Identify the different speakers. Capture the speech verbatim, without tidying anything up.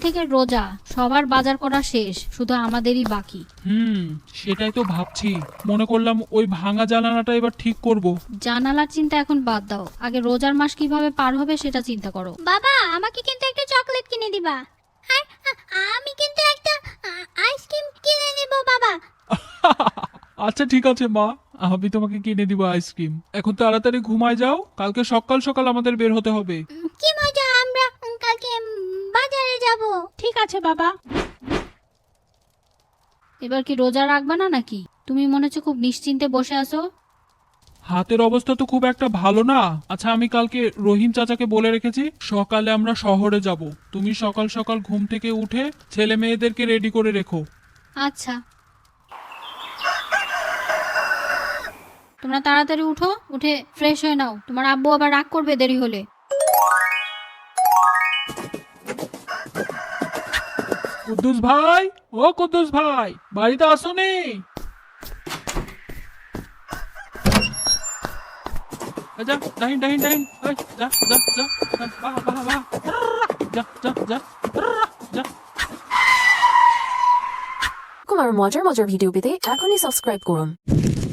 Speaker 1: থেকে রোজা, সবার বাজার করা শেষ, শুধু আমাদেরই বাকি।
Speaker 2: হুম সেটাই তো ভাবছি, মনে করলাম ওই ভাঙা জানালাটা এবার ঠিক করব।
Speaker 1: জানালার চিন্তা এখন বাদ দাও, আগে রোজার মাস কিভাবে পার হবে সেটা চিন্তা করো।
Speaker 3: বাবা আমাকে কিন্তু একটা চকলেট কিনে দিবা, আর আ- আমি কিন্তু একটা আ- আইসক্রিম কিনে নেব বাবা।
Speaker 2: আচ্ছা ঠিক আছে মা, আমি তোমাকে কিনে দিব আইসক্রিম। এখন তাড়াতাড়ি ঘুমায় যাও, কালকে সকাল সকাল আমাদের বের হতে হবে।
Speaker 3: উম, কি মজা, আমরা উম, কালকে উম, বাজারে যাব।
Speaker 4: ঠিক আছে বাবা।
Speaker 1: এবার কি রোজা রাখবে না নাকি? তুমি মনে হচ্ছে খুব নিশ্চিন্তে বসে আছো।
Speaker 2: হাতের অবস্থা তো খুব একটা ভালো না। আচ্ছা আমি কালকে রহিম চাচাকে বলে রেখেছি সকালে আমরা শহরে যাব, তুমি সকাল সকাল ঘুম থেকে উঠে ছেলে মেয়েদেরকে রেডি করে রেখো।
Speaker 1: আচ্ছা, তোমরা তাড়াতাড়ি উঠো, উঠে ফ্রেশ হয়ে নাও, তোমার আব্বু আবার রাগ করবে দেরি হলে।
Speaker 2: কুদ্দুস ভাই, ও কুদ্দুস ভাই, বাড়িতে আসোনি? যা ডাহিন ডাহিন ডাহিন, ওই, যা যা যা যা, বাহ বাহ বাহ, যা যা যা যা।
Speaker 5: কুমার মজার মজার ভিডিও পেতে এখনই সাবস্ক্রাইব করুন।